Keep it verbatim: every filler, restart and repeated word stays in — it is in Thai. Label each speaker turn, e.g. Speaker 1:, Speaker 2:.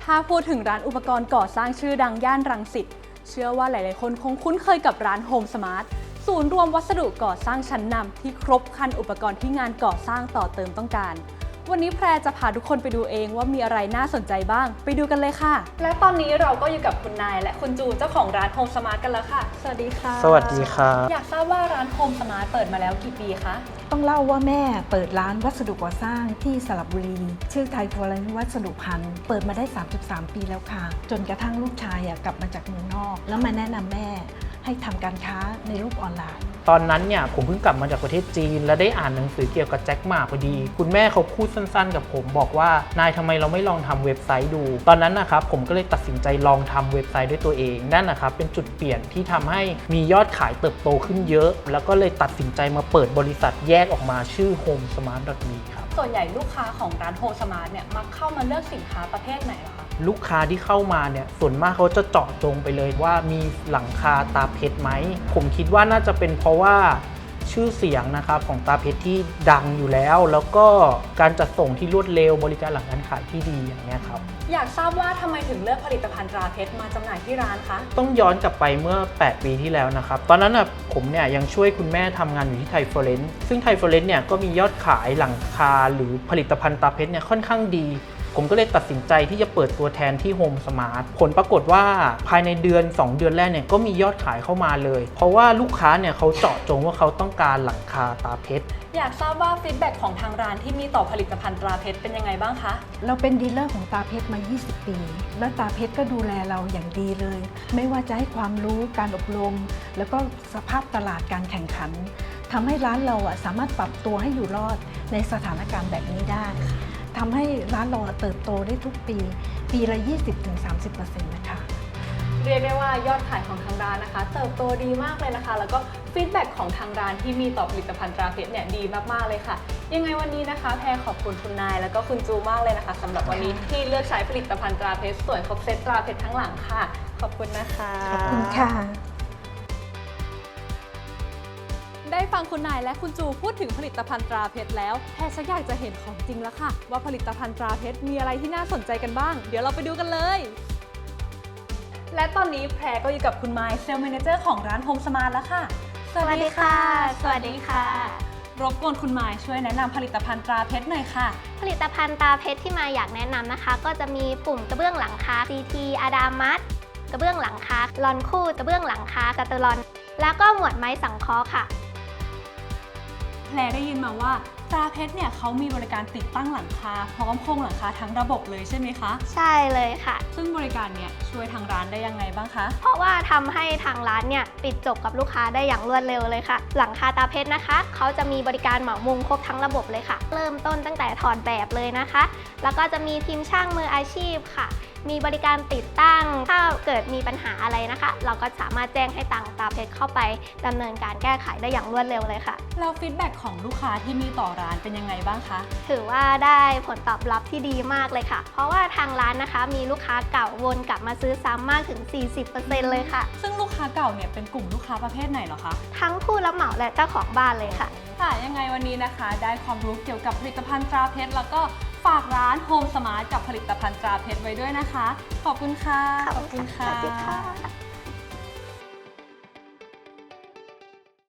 Speaker 1: ถ้าพูดถึงร้านอุปกรณ์ก่อสร้างชื่อดังย่านรังสิตเชื่อว่าหลายๆคนคงคุ้นเคยกับร้านโฮมสมาร์ทศูนย์รวมวัสดุก่อสร้างชั้นนำที่ครบครันอุปกรณ์ที่งานก่อสร้างต่อเติมต้องการวันนี้แพรจะพาทุกคนไปดูเองว่ามีอะไรน่าสนใจบ้างไปดูกันเลยค่ะและตอนนี้เราก็อยู่กับคุณนายและคุณจูเจ้าของร้านโฮมสมาร์ทกันแล้วค่ะสวัสดีค่ะ
Speaker 2: สวัสดีครับ
Speaker 1: อยากทราบว่าร้านโฮมสมาร์ทเปิดมาแล้วกี่ปีคะ
Speaker 3: ต้องเล่าว่าแม่เปิดร้านวัสดุก่อสร้างที่สระบุรีชื่อไทยฟลอเรนซ์วัสดุพันธ์เปิดมาได้ สามสิบสาม ปีแล้วค่ะจนกระทั่งลูกชายกลับมาจากเมืองนอกแล้วมาแนะนำแม่ให้ทำการค้าในรูปออนไลน์
Speaker 2: ตอนนั้นเนี่ยผมเพิ่งกลับมาจากประเทศจีนและได้อ่านหนังสือเกี่ยวกับแจ็คหม่าพอดีคุณแม่เขาพูดสั้นๆกับผมบอกว่านายทำไมเราไม่ลองทำเว็บไซต์ดูตอนนั้นนะครับผมก็เลยตัดสินใจลองทำเว็บไซต์ด้วยตัวเองนั่นนะครับเป็นจุดเปลี่ยนที่ทำให้มียอดขายเติบโตขึ้นเยอะแล้วก็เลยตัดสินใจมาเปิดบริษัทแยกออกมาชื่อ โฮมสมาร์ท ดอท มี ครับ
Speaker 1: ส่วนใหญ่ลูกค้าของร้านโฮมสมาร์ทเนี่ยมักเข้ามาเลือกสินค้าประเภทไหนล่ะคะ
Speaker 2: ลูกค้าที่เข้ามาเนี่ยส่วนมากเขาจะเจาะจงไปเลยว่ามีหลังคาตาเพชรไหมผมคิดว่าน่าจะเป็นเพราะว่าชื่อเสียงนะครับของตาเพชรที่ดังอยู่แล้วแล้วก็การจัดส่งที่รวดเร็วบริการหลังการขายที่ดีอย่างนี้ครับ
Speaker 1: อยากทราบว่าทำไมถึงเลือกผลิตภัณฑ์ตราเพชรมาจำหน่ายที่ร้านคะ
Speaker 2: ต้องย้อนกลับไปเมื่อแปดปีที่แล้วนะครับตอนนั้นนะผมเนี่ยยังช่วยคุณแม่ทำงานอยู่ที่ไทยฟลอเรนซ์ซึ่งไทยฟลอเรนซ์เนี่ยก็มียอดขายหลังคาหรือผลิตภัณฑ์ตาเพชรเนี่ยค่อนข้างดีผมก็เลยตัดสินใจที่จะเปิดตัวแทนที่โฮมสมาร์ทผลปรากฏว่าภายในเดือนสองเดือนแรกเนี่ยก็มียอดขายเข้ามาเลยเพราะว่าลูกค้าเนี่ยเขาเจาะจงว่าเขาต้องการหลังคาตาเพชร
Speaker 1: อยากทราบว่าฟีดแบ็กของทางร้านที่มีต่อผลิตภัณฑ์ตราเพชรเป็นยังไงบ้างคะ
Speaker 3: เราเป็นดีลเลอร์ของตาเพชรมา ยี่สิบ ปีแล้วตาเพชรก็ดูแลเราอย่างดีเลยไม่ว่าจะให้ความรู้การอบรมแล้วก็สภาพตลาดการแข่งขันทำให้ร้านเราสามารถปรับตัวให้อยู่รอดในสถานการณ์แบบนี้ได้ทำให้ร้านเราเติบโตได้ทุกปีปีละ ยี่สิบถึงสามสิบเปอร์เซ็นต์ นะคะ
Speaker 1: เรียกได้ว่ายอดขายของทางร้านนะคะเติบโตดีมากเลยนะคะแล้วก็ฟีดแบ็กของทางร้านที่มีต่อผลิตภัณฑ์ตราเพชรเนี่ยดีมากๆเลยค่ะยังไงวันนี้นะคะแพรขอบคุณคุณนายแล้วก็คุณจูมากเลยนะคะสำหรับวันนี้ที่เลือกใช้ผลิตภัณฑ์ตราเพชรสวยครบเซตตราเพชรทั้งหลังค่ะขอบคุณนะคะ
Speaker 3: ขอบคุณค่ะ
Speaker 1: ได้ฟังคุณนายและคุณจูพูดถึงผลิตภัณฑ์ตราเพชรแล้วแพรชักอยากจะเห็นของจริงแล้วค่ะว่าผลิตภัณฑ์ตราเพชรมีอะไรที่น่าสนใจกันบ้างเดี๋ยวเราไปดูกันเลยและตอนนี้แพรก็อยู่กับคุณไมค์เซลล์แมเนเจอร์ของร้านโฮมสมาร์ทแล้วค่ะ
Speaker 4: สวัสดีค่ะสวัสดีค่ะ
Speaker 1: รบกวนคุณไมค์ช่วยแนะนำผลิตภัณฑ์ตราเพชรหน่อยค่ะ
Speaker 4: ผลิตภัณฑ์ตราเพชรที่มาอยากแนะนำนะคะก็จะมีปุ่มกระเบื้องหลังคา ซี ที อาดามัสกระเบื้องหลังคาลอนคู่กระเบื้องหลังคาจัตุรอนแล้วก็หมวดไม้สังเคราะห์ค่ะ
Speaker 1: แพรได้ยินมาว่าตราเพชรเนี่ยเขามีบริการติดตั้งหลังคาพร้อมโครงหลังคาทั้งระบบเลยใช่ไหมคะ
Speaker 4: ใช่เลยค่ะ
Speaker 1: ซึ่งบริการเนี่ยช่วยทางร้านได้ยังไงบ้างคะ
Speaker 4: เพราะว่าทำให้ทางร้านเนี่ยปิดจบกับลูกค้าได้อย่างรวดเร็วเลยค่ะหลังคาตราเพชรนะคะเขาจะมีบริการเหมามุงครบทั้งระบบเลยค่ะเริ่มต้นตั้งแต่ถอดแบบเลยนะคะแล้วก็จะมีทีมช่างมืออาชีพค่ะมีบริการติดตั้งถ้าเกิดมีปัญหาอะไรนะคะเราก็สามารถแจ้งให้ทางตราเพชรเข้าไปดำเนินการแก้ไขได้อย่างรวดเร็วเลยค่ะ
Speaker 1: แล้วฟีดแบ็กของลูกค้าที่มีต่อร้านเป็นยังไงบ้างคะ
Speaker 4: ถือว่าได้ผลตอบรับที่ดีมากเลยค่ะเพราะว่าทางร้านนะคะมีลูกค้าเก่าวนกลับมาซื้อซ้ำมากถึง สี่สิบเปอร์เซ็นต์ เลยค่ะ
Speaker 1: ซึ่งลูกค้าเก่าเนี่ยเป็นกลุ่มลูกค้าประเภทไหนเหรอคะ
Speaker 4: ทั้งผู้รับเหมาและเจ้าของบ้านเลยค่ะ
Speaker 1: ค่ะยังไงวันนี้นะคะได้ความรู้เกี่ยวกับผลิตภัณฑ์ตราเพชรแล้วก็ฝากร้านโฮมสมาร์ทกับผลิตภัณฑ์ตราเพชรไว้ด้วยนะคะขอบคุณค่ะ
Speaker 4: ขอบคุณค่ะ